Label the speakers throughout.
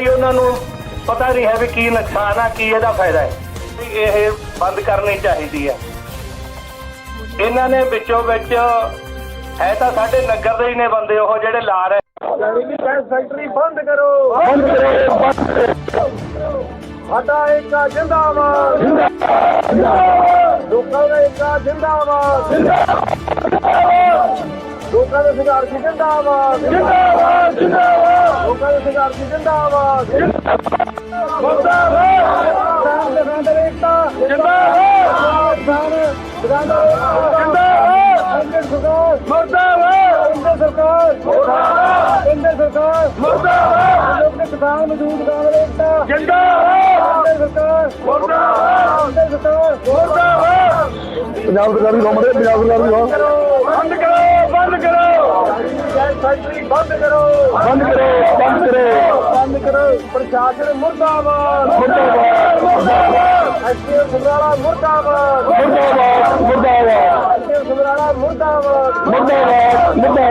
Speaker 1: ਕੋਈ ਉਹਨਾਂ ਨੂੰ ਪਤਾ ਨਹੀਂ ਹੈ ਵੀ ਕੀ ਨੁਕਸਾਨ ਆ, ਕੀ ਇਹਦਾ ਫਾਇਦਾ ਹੈ। ਇਹ ਬੰਦ ਕਰਨੀ ਚਾਹੀਦੀ ਹੈ। ਇਹਨਾਂ ਨੇ ਵਿੱਚੋਂ ਵਿੱਚ ਹੈ ਤਾਂ ਸਾਡੇ ਨਗਰ ਦੇ ਹੀ ਨੇ ਬੰਦੇ ਉਹ ਜਿਹੜੇ ਲਾ ਰਹੇ। ਗੈਸ ਫੈਕਟਰੀ ਬੰਦ ਕਰੋ, ਬੰਦ ਕਰੋ। ਸਾਡਾ ਏਕਾ ਜਿੰਦਾਬਾਦ, ਲੋਕਾਂ ਦਾ ਏਕਾ ਜਿੰਦਾਬਾਦ, ਲੋਕਾਂ ਦੇ ਸੰਘਰਸ਼ ਜਿੰਦਾਬਾਦ, ਜਿੰਦਾਬਾਦ, ਜਿੰਦਾਬਾਦ, ਲੋਕਾਂ ਦੇ ਸੰਘਰਸ਼ ਜਿੰਦਾਬਾਦ, ਮੁਰਦਾਬਾਦ, ਦੁਕਾਨਦਾਰ ਏਕਤਾ ਜਿੰਦਾਬਾਦ, ਦੁਕਾਨਦਾਰ ਸਰਕਾਰ ਮੁਰਦਾਬਾਦ, ਕੇਂਦਰ ਸਰਕਾਰ ਮੁਰਦਾਬਾਦ, ਕੇਂਦਰ ਸਰਕਾਰ ਮੁਰਦਾਬਾਦ, ਲੋਕ ਕਿਸਾਨ ਮਜ਼ਦੂਰ ਦੁਕਾਨਦਾਰ ਏਕਤਾ ਜਿੰਦਾਬਾਦ, ਕੇਂਦਰ ਸਰਕਾਰ ਮੁਰਦਾਬਾਦ, ਕੇਂਦਰ ਸਰਕਾਰ ਮੁਰਦਾਬਾਦ। ਪੰਜਾਬ ਸਰਕਾਰ ਦੀ ਗੌਰਮੈਂਟ ਪੰਜਾਬ ਸਰਕਾਰ ਦੀ ਬੰਦ ਕਰੋ, ਬੰਦ ਕਰੋ, ਗੈਸ ਫੈਕਟਰੀ ਬੰਦ ਕਰੋ, ਬੰਦ ਕਰੋ, ਬੰਦ ਕਰੋ, ਬੰਦ ਕਰੋ। ਪ੍ਰਸ਼ਾਸਨ ਮੁਰਦਾਬਾਦ, ਮੁਰਦਾਬਾਦ, ਮੁਰਦਾਬਾਦ। ਐਸਪੀਐਮ ਸਮਰਾਲਾ ਮੁਰਦਾਬਾਦ, ਮੁਰਦਾਬਾਦ, ਮੁਰਦਾਬਾਦ। ਐਸਪੀਐਮ ਸਮਰਾਲਾ ਮੁਰਦਾਬਾਦ, ਮੁਰਦਾਬਾਦ, ਮੁਰਦਾਬਾਦ।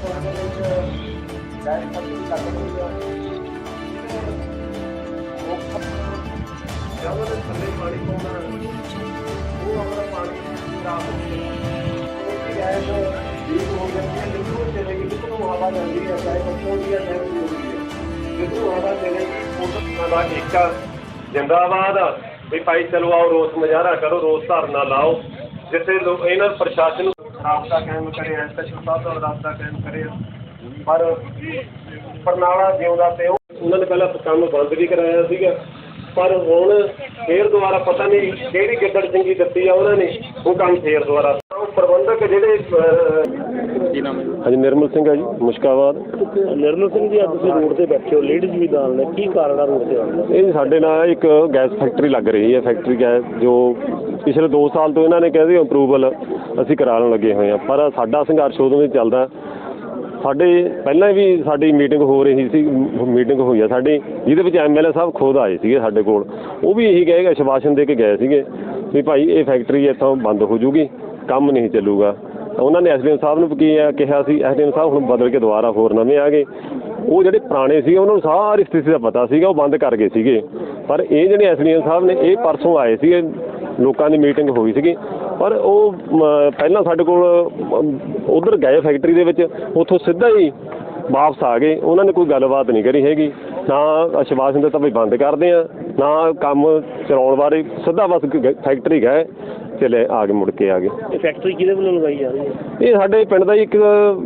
Speaker 2: जिंदाबाद भी भाई चलो आओ रोस मुजाहरा करो, रोस धरना लाओ, जिथे इन्होंने प्रशासन राबता कायम करे, एसएचओ साहब नाल राबता कायम करे। पर बरनाला जिउंदा ते उन्होंने पहला काम बंद भी कराया सीगा, पर हुण फिर दोबारा पता नहीं किहड़ी गिद्दड़ चंगी दित्ती आ उन्होंने, वो काम फिर दोबारा प्रबंधक जिहड़े हाँ जी निर्मल सिंह है जी मुश्काबाद।
Speaker 3: निर्मल सिंह जी, अब तुसीं रोड ते बैठे हो, लेडीज़ भी नाल ने, की कारण है रोड ते आउण दा?
Speaker 2: ये साडे नाल एक गैस फैक्ट्री लग रही है, फैक्ट्री गैस जो पिछले 2 साल तो इन्होंने कहते अप्रूवल असीं कराउण लगे हुए हैं, पर साडा संघर्ष उदों ही चलदा। साडे पहलां भी साडी मीटिंग हो रही सी, मीटिंग हुई है साडी, जिहदे विच MLA साहब खुद आए सीगे साडे कोल, वो भी यही कहे आश्वासन दे के गए सीगे भी भाई ये फैक्ट्री इत्थों बंद हो जूगी, काम नहीं चलूगा। उन्होंने SDM साहब ने की कहा सी, SDM साहब हुण बदल के दोबारा होर नवें आ गए, वो जिहड़े पुराने सीगे उन्होंने सारी स्थिति का पता सीगा, वो बंद कर गए सीगे। पर ये जिहड़े SDM साहब ने ये परसों आए सीगे, लोगों की मीटिंग हुई सीगी, पर वो पहला साडे कोल उधर गए फैक्ट्री दे विच, उत्थों सीधा ही वापस आ गए। उन्होंने कोई गलबात नहीं करी हैगी, ना आश्वासन दिता भी बंद करते हैं, ना काम चलाउण बारे, सीधा बस फैक्ट्री गए चले आ गए, मुड़ के आ गए।
Speaker 3: फैक्ट्री किहदे वल्लों लगाई जा रही है?
Speaker 2: ये साडे पिंड दा एक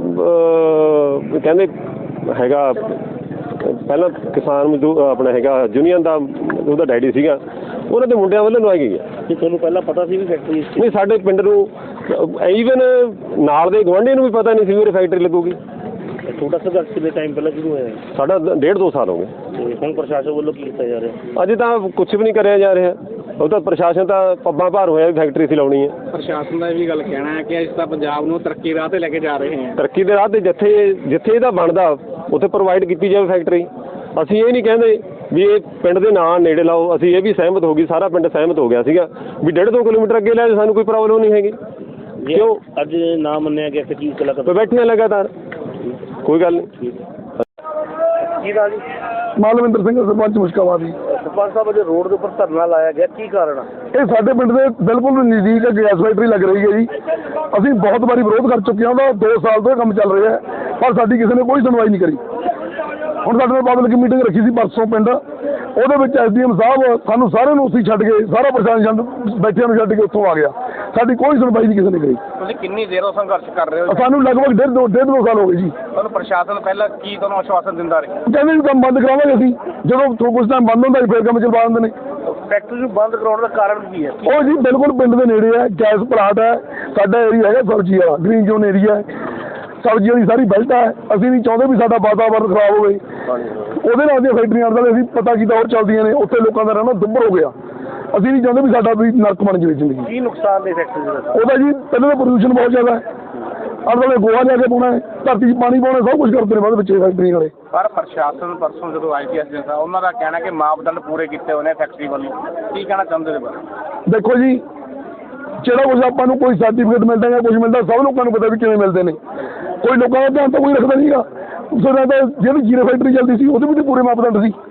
Speaker 2: कहंदे हैगा, पहला किसान मजदूर अपना हैगा यूनियन का ਉਹਦਾ ਡੈਡੀ ਸੀਗਾ, ਉਹਨਾਂ ਦੇ ਮੁੰਡਿਆਂ ਵੱਲੋਂ ਲਵਾਈ ਗਈ ਹੈ।
Speaker 3: ਕਿ ਤੁਹਾਨੂੰ ਪਹਿਲਾਂ ਪਤਾ ਸੀ ਵੀ ਫੈਕਟਰੀ
Speaker 2: ਨਹੀਂ, ਸਾਡੇ ਪਿੰਡ ਨੂੰ ਈਵਨ ਨਾਲ ਦੇ ਗੁਆਂਢੀ ਨੂੰ ਵੀ ਪਤਾ ਨਹੀਂ ਸੀ ਵੀ ਫੈਕਟਰੀ ਲੱਗੂਗੀ।
Speaker 3: ਛੋਟਾ ਸੰਘਰਸ਼ ਕਿੰਨੇ ਟਾਈਮ ਪਹਿਲਾਂ ਸ਼ੁਰੂ ਹੋਇਆ?
Speaker 2: ਸਾਡਾ 1.5-2 ਸਾਲ ਹੋ ਗਏ।
Speaker 3: ਤੇ ਹੁਣ ਪ੍ਰਸ਼ਾਸਨ ਵੱਲੋਂ ਕੀ ਕੀਤਾ ਜਾ ਰਿਹਾ?
Speaker 2: ਅਜੇ ਤਾਂ ਕੁਝ ਵੀ ਨਹੀਂ ਕਰਿਆ ਜਾ ਰਿਹਾ, ਉਹ ਤਾਂ ਪ੍ਰਸ਼ਾਸਨ ਤਾਂ ਪੱਬਾਂ ਭਾਰ ਹੋਇਆ ਵੀ ਫੈਕਟਰੀ ਸੀ ਲਾਉਣੀ ਹੈ।
Speaker 4: ਪ੍ਰਸ਼ਾਸਨ ਦਾ ਇਹ ਵੀ ਗੱਲ ਕਹਿਣਾ ਹੈ ਕਿ ਅਸੀਂ ਤਾਂ ਪੰਜਾਬ ਨੂੰ ਤਰੱਕੀ ਰਾਹ ਤੇ ਲੈ ਕੇ ਜਾ ਰਹੇ ਹਾਂ।
Speaker 2: ਤਰੱਕੀ ਦੇ ਰਾਹ ਤੇ ਜਿੱਥੇ ਇਹਦਾ ਬਣਦਾ ਉੱਥੇ ਪ੍ਰੋਵਾਈਡ ਕੀਤੀ ਜਾਵੇ ਫੈਕਟਰੀ। ਅਸੀਂ ਇਹ ਨਹੀਂ ਕਹਿੰਦੇ ਵੀ ਇਹ ਪਿੰਡ ਦੇ ਨਾਂ ਨੇੜੇ ਲਾਓ, ਅਸੀਂ ਇਹ ਵੀ ਸਹਿਮਤ ਹੋ ਗਈ, ਸਾਰਾ ਪਿੰਡ ਸਹਿਮਤ ਹੋ ਗਿਆ ਸੀਗਾ ਵੀ 1.5-2 ਕਿਲੋਮੀਟਰ ਅੱਗੇ ਲੈ ਸਾਨੂੰ ਕੋਈ ਪ੍ਰੋਬਲਮ ਨਹੀਂ ਹੈਗੀ। ਕਿਉਂ
Speaker 3: ਅੱਜ ਨਾ ਮੰਨਿਆ ਗਿਆ ਕਿ ਕੀ ਕਲਾ ਕਰ
Speaker 2: ਬੈਠੇ ਲਗਾਤਾਰ, ਕੋਈ ਗੱਲ ਨਹੀਂ।
Speaker 3: ਕੀ ਦਾ ਜੀ?
Speaker 5: ਮਾਲਵਿੰਦਰ ਸਿੰਘ ਸਰਪੰਚ ਮੁਸ਼ਕਾਬਾਦ ਜੀ।
Speaker 3: ਸਰਪੰਚ ਸਾਹਿਬ, ਅੱਜ ਰੋਡ ਦੇ ਉੱਪਰ ਧਰਨਾ ਲਾਇਆ ਗਿਆ, ਕੀ ਕਾਰਨ ਆ?
Speaker 5: ਇਹ ਸਾਡੇ ਪਿੰਡ ਦੇ ਬਿਲਕੁਲ ਨਜ਼ਦੀਕ ਗੈਸ ਫੈਕਟਰੀ ਲੱਗ ਰਹੀ ਹੈ ਜੀ। ਅਸੀਂ ਬਹੁਤ ਵਾਰੀ ਵਿਰੋਧ ਕਰ ਚੁੱਕੇ ਹਾਂ, ਉਹਦਾ 2 ਸਾਲ ਤੋਂ ਕੰਮ ਚੱਲ ਰਿਹਾ, ਪਰ ਸਾਡੀ ਕਿਸੇ ਨੇ ਕੋਈ ਸੁਣਵਾਈ ਨਹੀਂ ਕਰੀ। ਹੁਣ ਸਾਡੇ ਨਾਲ ਪਬਲਿਕ ਮੀਟਿੰਗ ਰੱਖੀ ਸੀ ਪਰਸੋਂ ਪਿੰਡ, ਉਹਦੇ ਵਿੱਚ SDM ਸਾਹਿਬ ਸਾਨੂੰ ਸਾਰਿਆਂ ਨੂੰ ਉੱਥੇ ਛੱਡ ਕੇ, ਸਾਰਾ ਪ੍ਰਸ਼ਾਸਨ ਬੈਠਿਆਂ ਨੂੰ ਛੱਡ ਕੇ ਉੱਥੋਂ ਆ ਗਿਆ। ਸਾਡੀ ਕੋਈ ਸੁਣਵਾਈ ਨਹੀਂ ਕਿਸੇ ਨੇ ਕਰੀ।
Speaker 4: ਤੁਸੀਂ ਕਿੰਨੀ ਦੇਰੋਂ ਸੰਘਰਸ਼ ਕਰ ਰਹੇ ਹੋ?
Speaker 5: ਸਾਨੂੰ ਲਗਭਗ 1.5-2 ਸਾਲ ਹੋ ਗਏ ਜੀ।
Speaker 4: ਤੁਹਾਨੂੰ ਪ੍ਰਸ਼ਾਸਨ ਪਹਿਲਾਂ ਕੀ ਤੁਹਾਨੂੰ ਆਸ਼ਵਾਸਨ ਦਿੰਦਾ ਰਿਹਾ?
Speaker 5: ਕਹਿੰਦੇ ਵੀ ਕੰਮ ਬੰਦ ਕਰਾਵਾਂਗੇ ਅਸੀਂ, ਜਦੋਂ ਕੁਝ ਟਾਈਮ ਬੰਦ ਹੁੰਦਾ ਫਿਰ ਕੰਮ ਚਲਵਾ ਦਿੰਦੇ ਨੇ।
Speaker 3: ਫੈਕਟਰੀ ਨੂੰ ਬੰਦ ਕਰਾਉਣ ਦਾ ਕਾਰਨ ਕੀ ਹੈ?
Speaker 5: ਉਹ ਜੀ ਬਿਲਕੁਲ ਪਿੰਡ ਦੇ ਨੇੜੇ ਹੈ, ਗੈਸ ਪਲਾਟ ਹੈ, ਸਾਡਾ ਏਰੀਆ ਹੈਗਾ ਸਬਜ਼ੀ ਵਾਲਾ, ਗ੍ਰੀਨ ਜ਼ੋਨ ਏਰੀਆ ਹੈ, ਸਬਜ਼ੀ ਵਾਲੀ ਸਾਰੀ ਬੈਲਟ ਹੈ। ਅਸੀਂ ਨਹੀਂ ਚਾਹੁੰਦੇ ਵੀ ਸਾਡਾ ਵਾਤਾਵਰਨ ਖਰਾਬ ਹੋਵੇ। ਉਹਦੇ ਨਾਲ ਦੀਆਂ ਫੈਕਟਰੀਆਂ ਦਾ ਅਸੀਂ ਪਤਾ ਕੀਤਾ ਹੋਰ ਚੱਲਦੀਆਂ ਨੇ, ਉੱਥੇ ਲੋਕਾਂ ਦਾ ਰਹਿਣਾ ਦੁੱਭਰ ਹੋ ਗਿਆ। ਅਸੀਂ ਨਹੀਂ ਚਾਹੁੰਦੇ ਵੀ ਸਾਡਾ ਵੀ ਨਰਕ ਬਣ ਜਾਵੇ ਜ਼ਿੰਦਗੀ।
Speaker 3: ਕੀ ਨੁਕਸਾਨ ਨੇ ਫੈਕਟਰੀ ਦਾ?
Speaker 5: ਉਹਦਾ ਜੀ ਪਹਿਲਾਂ ਤਾਂ ਪ੍ਰਦੂਸ਼ਣ ਬਹੁਤ ਜ਼ਿਆਦਾ ਹੈ, ਆਲੇ ਗੋਹਾ ਜਾ ਕੇ ਪਾਉਣਾ ਹੈ, ਧਰਤੀ 'ਚ ਪਾਣੀ ਪਾਉਣਾ, ਸਭ ਕੁਝ ਕਰਦੇ ਨੇ ਬਾਅਦ ਵਿੱਚ ਫੈਕਟਰੀ ਵਾਲੇ।
Speaker 4: ਪਰ ਪ੍ਰਸ਼ਾਸਨ ਪਰਸੋਂ ਜਦੋਂ IPS ਦੇ ਸਾਹਿਬ ਉਹਨਾਂ ਦਾ ਕਹਿਣਾ ਕਿ ਮਾਪਦੰਡ ਪੂਰੇ ਕੀਤੇ ਹੋਏ ਨੇ ਫੈਕਟਰੀ ਵੱਲੋਂ, ਕੀ ਕਹਿਣਾ ਚਾਹੁੰਦੇ ਨੇ ਬਾਰੇ?
Speaker 5: ਦੇਖੋ ਜੀ, ਜਿਹੜਾ ਕੁਝ ਆਪਾਂ ਨੂੰ ਕੋਈ ਸਰਟੀਫਿਕੇਟ ਮਿਲਦਾ ਜਾਂ ਕੁਝ ਮਿਲਦਾ, ਸਭ ਲੋਕਾਂ ਨੂੰ ਪਤਾ ਵੀ ਕਿਵੇਂ ਮਿਲਦੇ ਨੇ। ਕੋਈ ਲੋਕਾਂ ਦਾ ਧਿਆਨ ਤਾਂ ਕੋਈ ਰੱਖਦਾ ਨਹੀਂਗਾ। ਜਿਹੜਾ ਤਾਂ ਜਿਹੜੀ ਜ਼ੀਰੋ ਫੈਕਟਰੀ ਚੱਲਦੀ ਸੀ ਉਹਦੇ ਵੀ ਤਾਂ ਪੂਰੇ ਮਾਪਦੰਡ ਸੀ,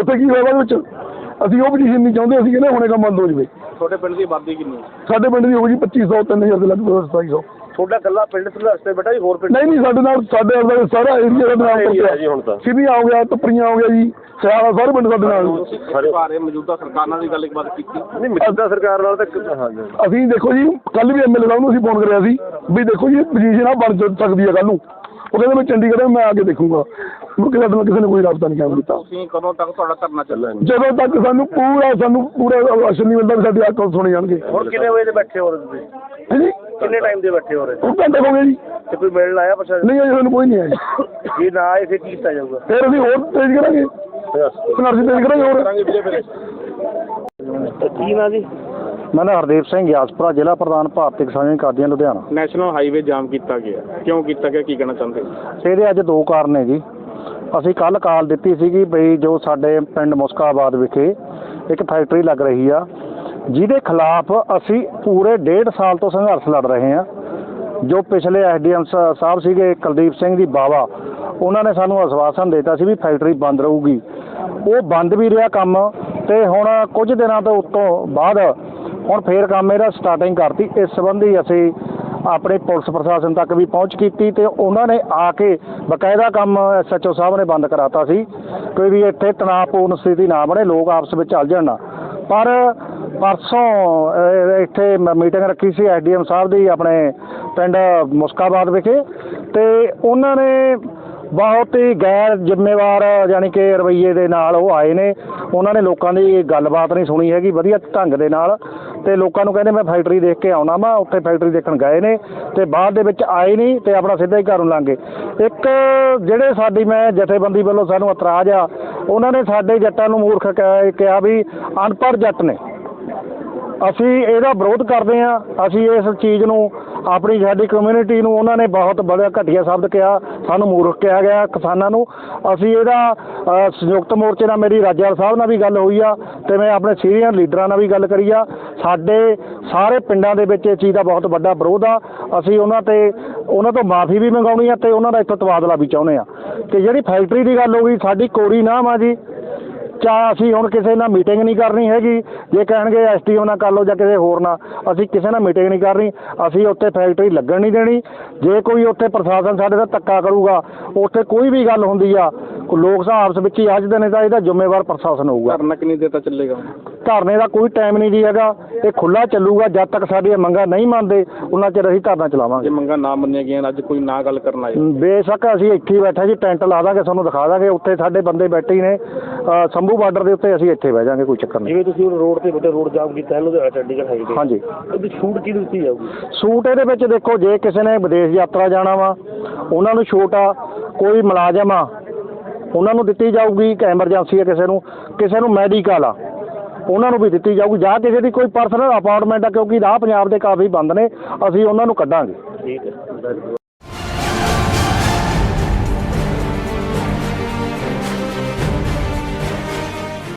Speaker 5: ਉੱਥੇ ਕੀ ਹੋਇਆ ਬਾਅਦ ਵਿੱਚ ਅਸੀਂ ਉਹ ਪੋਜੀਸ਼ਨ ਨਹੀਂ ਚਾਹੁੰਦੇ, ਅਸੀਂ ਕਹਿੰਦੇ ਹੁਣੇ ਕੰਮ ਬੰਦ ਹੋ ਜਾਵੇ।
Speaker 4: ਤੁਹਾਡੇ ਪਿੰਡ ਦੀ ਆਬਾਦੀ ਕਿੰਨੀ ਹੈ?
Speaker 5: ਸਾਡੇ ਪਿੰਡ ਦੀ ਹੋਊ ਜੀ 2500 3000 ਦੇ ਲਗਭਗ 2700।
Speaker 3: ਤੁਹਾਡਾ ਇਕੱਲਾ ਪਿੰਡ ਸੰਘਰਸ਼ ਤੇ ਬੇਟਾ ਜੀ ਹੋਰ ਪਿੰਡ
Speaker 5: ਨਹੀਂ ਸਾਡੇ ਨਾਲ ਸਾਡੇ ਨਾਲ ਸਾਰਾ ਏਰੀਆ ਸਾਡੇ ਨਾਲ
Speaker 2: area ਜੀ ਹੁਣ ਤਾਂ।
Speaker 5: ਸਿੱਧੀਆਂ ਹੋ ਗਿਆ, ਟੱਪਰੀਆਂ ਹੋ ਗਿਆ ਜੀ, ਸਿਆਲਾ ਸਾਰੇ ਪਿੰਡ ਸਾਡੇ ਨਾਲ।
Speaker 4: ਤੁਸੀਂ ਬਾਰੇ ਮੌਜੂਦਾ ਸਰਕਾਰ ਨਾਲ ਵੀ ਗੱਲਬਾਤ ਕੀਤੀ?
Speaker 2: ਨਹੀਂ ਮੌਜੂਦਾ ਸਰਕਾਰ ਨਾਲ ਤਾਂ ਹਾਂਜੀ
Speaker 5: ਅਸੀਂ ਦੇਖੋ ਜੀ ਕੱਲ ਵੀ ਐਮਐਲਏ ਸਾਹਿਬ ਨੂੰ ਅਸੀਂ ਫੋਨ ਕਰਿਆ ਸੀ ਵੀ ਦੇਖੋ ਜੀ ਪੋਜੀਸ਼ਨ ਆ ਬਣ ਸਕਦੀ ਹੈ ਕੱਲ ਨੂੰ। ਉਹ ਕਹਿੰਦੇ ਮੈਂ ਚੰਡੀਗੜ੍ਹ ਮੈਂ ਆ ਕੇ ਦੇਖੂੰਗਾ। ਮੁੜ ਕੇ ਸਾਡੇ ਨਾਲ ਕਿਸੇ ਨੇ ਕੋਈ ਰਾਬਤਾ ਨਹੀਂ ਕਾਇਮ ਕੀਤਾ।
Speaker 4: ਤੁਸੀਂ ਕਦੋਂ ਤੱਕ ਤੁਹਾਡਾ ਧਰਨਾ ਚੱਲਣਾ?
Speaker 5: ਜਦੋਂ ਤੱਕ ਸਾਨੂੰ ਪੂਰਾ ਰਾਸ਼ਨ ਨਹੀਂ ਮਿਲਦਾ ਵੀ ਸਾਡੀ ਆਹ ਕੌਣ ਸੁਣੇ ਜਾਣਗੇ।
Speaker 3: ਹੁਣ ਕਿੰਨੇ ਵਜੇ ਦੇ ਬੈਠੇ ਹੋ ਰਹੇ ਤੁਸੀਂ?
Speaker 5: ਹਾਂਜੀ
Speaker 3: ਕਿੰਨੇ ਟਾਈਮ ਦੇ ਬੈਠੇ ਹੋ ਰਹੇ?
Speaker 5: ਉਹ ਘੰਟੇ ਹੋ ਗਏ ਜੀ।
Speaker 3: ਤੇ ਕੋਈ ਮਿਲਣ ਆਇਆ ਪ੍ਰਸ਼ਾਸਨ?
Speaker 5: ਨਹੀਂ ਅਜੇ ਸਾਨੂੰ ਕੋਈ ਨਹੀਂ ਆਇਆ।
Speaker 3: ਜੇ ਨਾ ਆਏ ਫਿਰ ਕੀ ਕੀਤਾ ਜਾਊਗਾ?
Speaker 5: ਫਿਰ ਅਸੀਂ ਹੋਰ ਤੇਜ਼ ਕਰਾਂਗੇ, ਸੰਘਰਸ਼ ਤੇਜ਼ ਕਰਾਂਗੇ ਹੋਰ।
Speaker 3: ਕੀ ਨਾ ਜੀ?
Speaker 6: ਮੈਂ ਹਰਦੀਪ ਸਿੰਘ ਗਿਆਸਪੁਰਾ, ਜ਼ਿਲ੍ਹਾ ਪ੍ਰਧਾਨ Bharti Kisan Kadian Ludhiana.
Speaker 4: National highway jam ਕੀਤਾ ਗਿਆ, ਕਿਉਂ ਕੀਤਾ ਗਿਆ, ਕੀ ਕਹਿਣਾ ਚਾਹੁੰਦੇ?
Speaker 6: ਇਹਦੇ ਅੱਜ ਦੋ ਕਾਰਨ ਨੇ ਜੀ। ਅਸੀਂ ਕੱਲ ਕਾਲ ਦਿੱਤੀ ਸੀਗੀ ਬਈ ਜੋ ਸਾਡੇ ਪਿੰਡ ਮੁਸਕਾਬਾਦ ਵਿਖੇ ਇੱਕ ਫੈਕਟਰੀ ਲੱਗ ਰਹੀ ਆ, ਜਿਹਦੇ ਖਿਲਾਫ ਅਸੀਂ ਪੂਰੇ 1.5 ਸਾਲ ਤੋਂ ਸੰਘਰਸ਼ ਲੜ ਰਹੇ ਹਾਂ। ਜੋ ਪਿਛਲੇ ਐਸਡੀਐਮ ਸਾਹਿਬ ਸੀਗੇ ਕੁਲਦੀਪ ਸਿੰਘ ਜੀ ਬਾਵਾ, ਉਹਨਾਂ ਨੇ ਸਾਨੂੰ ਆਸ਼ਵਾਸਨ ਦਿੱਤਾ ਸੀ ਵੀ ਫੈਕਟਰੀ ਬੰਦ ਰਹੂਗੀ। ਉਹ ਬੰਦ ਵੀ ਰਿਹਾ ਕੰਮ, ਤੇ ਹੁਣ ਕੁਝ ਦਿਨਾਂ ਤੋਂ ਉੱਤੋਂ ਬਾਅਦ ਹੁਣ ਫੇਰ ਕੰਮ ਇਹਦਾ ਸਟਾਰਟਿੰਗ ਕਰਤੀ। ਇਸ ਸੰਬੰਧੀ ਅਸੀਂ ਆਪਣੇ ਪੁਲਿਸ ਪ੍ਰਸ਼ਾਸਨ ਤੱਕ ਵੀ ਪਹੁੰਚ ਕੀਤੀ ਤੇ ਉਹਨਾਂ ਨੇ ਆ ਕੇ ਬਕਾਇਦਾ ਕੰਮ ਐਸਐਚਓ ਸਾਹਿਬ ਨੇ ਬੰਦ ਕਰਾਤਾ ਸੀ ਕੋਈ ਵੀ ਇੱਥੇ ਤਣਾਅਪੂਰਨ ਸਥਿਤੀ ਨਾ ਬਣੇ, ਲੋਕ ਆਪਸ ਵਿੱਚ ਚੱਲ ਜਾਣ। ਪਰ ਪਰਸੋਂ ਇੱਥੇ ਮੀਟਿੰਗ ਰੱਖੀ ਸੀ ਐਸਡੀਐਮ ਸਾਹਿਬ ਦੀ ਆਪਣੇ ਪਿੰਡ ਮੁਸਕਾਬਾਦ ਵਿਖੇ, ਤੇ ਉਹਨਾਂ ਨੇ ਬਹੁਤ ਹੀ ਗੈਰ ਜ਼ਿੰਮੇਵਾਰ ਯਾਨੀ ਕਿ ਰਵੱਈਏ ਦੇ ਨਾਲ ਉਹ ਆਏ ਨੇ। ਉਹਨਾਂ ਨੇ ਲੋਕਾਂ ਦੀ ਗੱਲਬਾਤ ਨਹੀਂ ਸੁਣੀ ਹੈਗੀ ਵਧੀਆ ਢੰਗ ਦੇ ਨਾਲ, ਤੇ ਲੋਕਾਂ ਨੂੰ ਕਹਿੰਦੇ ਮੈਂ ਫੈਕਟਰੀ ਦੇਖ ਕੇ ਆਉਣਾ ਵਾ। ਉੱਥੇ ਫੈਕਟਰੀ ਦੇਖਣ ਗਏ ਨੇ ਤੇ ਬਾਅਦ ਦੇ ਵਿੱਚ ਆਏ ਨਹੀਂ ਤੇ ਆਪਣਾ ਸਿੱਧਾ ਹੀ ਘਰ ਨੂੰ ਲੰਘ ਗਏ। ਇੱਕ ਜਿਹੜੇ ਸਾਡੀ ਮੈਂ ਜਥੇਬੰਦੀ ਵੱਲੋਂ ਸਾਨੂੰ ਇਤਰਾਜ਼ ਆ, ਉਹਨਾਂ ਨੇ ਸਾਡੇ ਜੱਟਾਂ ਨੂੰ ਮੂਰਖ ਕਿਹਾ ਵੀ ਅਨਪੜ੍ਹ ਜੱਟ ਨੇ। ਅਸੀਂ ਇਹਦਾ ਵਿਰੋਧ ਕਰਦੇ ਹਾਂ। ਅਸੀਂ ਇਸ ਚੀਜ਼ ਨੂੰ ਆਪਣੀ ਸਾਡੀ ਕਮਿਊਨਿਟੀ ਨੂੰ ਉਹਨਾਂ ਨੇ ਬਹੁਤ ਬੜਾ ਘਟੀਆ ਸ਼ਬਦ ਕਿਹਾ, ਸਾਨੂੰ ਮੂਰਖ ਕਿਹਾ ਗਿਆ ਕਿਸਾਨਾਂ ਨੂੰ। ਅਸੀਂ ਇਹਦਾ ਸੰਯੁਕਤ ਮੋਰਚੇ ਨਾਲ ਮੇਰੀ ਰਾਜੇਵਾਲ ਸਾਹਿਬ ਨਾਲ ਵੀ ਗੱਲ ਹੋਈ ਆ ਤੇ ਮੈਂ ਆਪਣੇ ਸੀਨੀਅਰ ਲੀਡਰਾਂ ਨਾਲ ਵੀ ਗੱਲ ਕਰੀ ਆ। ਸਾਡੇ ਸਾਰੇ ਪਿੰਡਾਂ ਦੇ ਵਿੱਚ ਇਹ ਚੀਜ਼ ਦਾ ਬਹੁਤ ਵੱਡਾ ਵਿਰੋਧ ਆ। ਅਸੀਂ ਉਹਨਾਂ ਤੋਂ ਮਾਫੀ ਵੀ ਮੰਗਾਉਣੀ ਆ ਤੇ ਉਹਨਾਂ ਦਾ ਇੱਥੋਂ ਤਬਾਦਲਾ ਵੀ ਚਾਹੁੰਦੇ ਆ। ਤੇ ਜਿਹੜੀ ਫੈਕਟਰੀ ਦੀ ਗੱਲ ਹੋ ਗਈ, ਸਾਡੀ ਕੋਰੀ ਨਾਮ ਆ ਜੀ। ਚਾਹ ਅਸੀਂ ਹੁਣ ਕਿਸੇ ਨਾਲ ਮੀਟਿੰਗ ਨਹੀਂ ਕਰਨੀ ਹੈਗੀ। ਜੇ ਕਹਿਣਗੇ ਐਸਟੀਓ ਨਾਲ ਕਰ ਲਓ ਜਾਂ ਕਿਸੇ ਹੋਰ ਨਾਲ, ਅਸੀਂ ਕਿਸੇ ਨਾਲ ਮੀਟਿੰਗ ਨਹੀਂ ਕਰਨੀ। ਅਸੀਂ ਉੱਥੇ ਫੈਕਟਰੀ ਲੱਗਣ ਨਹੀਂ ਦੇਣੀ। ਜੇ ਕੋਈ ਉੱਥੇ ਪ੍ਰਸ਼ਾਸਨ ਸਾਡੇ ਦਾ ਧੱਕਾ ਕਰੂਗਾ, ਉੱਥੇ ਕੋਈ ਵੀ ਗੱਲ ਹੁੰਦੀ ਆ, ਲੋਕ ਆਪਸ ਵਿੱਚ ਹੀ ਅੱਜ ਦਿਨ ਤਾਂ ਇਹਦਾ ਜ਼ਿੰਮੇਵਾਰ ਪ੍ਰਸ਼ਾਸਨ ਹੋਊਗਾ।
Speaker 4: ਧਰਨਾ ਕਿੰਨੀ ਦੇਰ ਤੱਕ ਚੱਲੇਗਾ?
Speaker 6: ਧਰਨੇ ਦਾ ਕੋਈ ਟਾਈਮ ਨਹੀਂ ਜੀ ਹੈਗਾ, ਇਹ ਖੁੱਲ੍ਹਾ ਚੱਲੂਗਾ। ਜਦ ਤੱਕ ਸਾਡੀਆਂ ਮੰਗਾਂ ਨਹੀਂ ਮੰਨਦੇ ਉਹਨਾਂ ਚਿਰ ਅਸੀਂ ਧਰਨਾ ਚਲਾਵਾਂਗੇ।
Speaker 4: ਜੇ ਮੰਗਾਂ ਨਾ ਮੰਨੀਆਂ ਗਈਆਂ, ਅੱਜ ਕੋਈ ਨਾ ਗੱਲ ਕਰਨ ਆਏ?
Speaker 6: ਬੇਸ਼ੱਕ ਅਸੀਂ ਇੱਥੇ ਹੀ ਬੈਠੇ ਜੀ, ਟੈਂਟ ਲਾ ਦਾਂਗੇ, ਤੁਹਾਨੂੰ ਦਿਖਾ ਦਾਂਗੇ। ਉੱਥੇ ਸਾਡੇ ਬੰਦੇ ਬੈਠੇ ਹੀ ਨੇ ਸੰਭੂ ਬਾਰਡਰ ਦੇ ਉੱਤੇ, ਅਸੀਂ ਇੱਥੇ ਬਹਿ ਜਾਾਂਗੇ, ਕੋਈ ਚੱਕਰ ਨਹੀਂ।
Speaker 3: ਜਿਵੇਂ ਤੁਸੀਂ ਰੋਡ ਤੇ ਵੱਡੇ ਰੋਡ ਜਾਮ ਕੀਤਾ ਹੈ ਲੁਧਿਆਣਾ ਚੰਡੀਗੜ੍ਹ ਹਾਈਵੇ,
Speaker 6: ਹਾਂਜੀ,
Speaker 3: ਉਹਦੀ ਛੂਟ ਕੀ ਦਿੱਤੀ ਜਾਊਗੀ?
Speaker 6: ਛੂਟ ਇਹਦੇ ਵਿੱਚ ਦੇਖੋ, ਜੇ ਕਿਸੇ ਨੇ ਵਿਦੇਸ਼ ਯਾਤਰਾ ਜਾਣਾ ਵਾ ਉਹਨਾਂ ਨੂੰ ਛੂਟ ਆ। ਕੋਈ ਮੁਲਾਜ਼ਮ ਆ ਉਹਨਾਂ ਨੂੰ ਦਿੱਤੀ ਜਾਊਗੀ ਕਿ ਐਮਰਜੈਂਸੀ ਹੈ ਕਿਸੇ ਨੂੰ ਮੈਡੀਕਲ ਆ ਉਹਨਾਂ ਨੂੰ ਵੀ ਦਿੱਤੀ ਜਾਊਗੀ। ਜਾਂ ਕਿਸੇ ਦੀ ਕੋਈ ਪਰਸਨਲ ਅਪਾਰਟਮੈਂਟ ਆ, ਕਿਉਂਕਿ ਰਾਹ ਪੰਜਾਬ ਦੇ ਕਾਫੀ ਬੰਦ ਨੇ, ਅਸੀਂ ਉਹਨਾਂ ਨੂੰ ਕੱਢਾਂਗੇ।
Speaker 3: ਠੀਕ ਹੈ।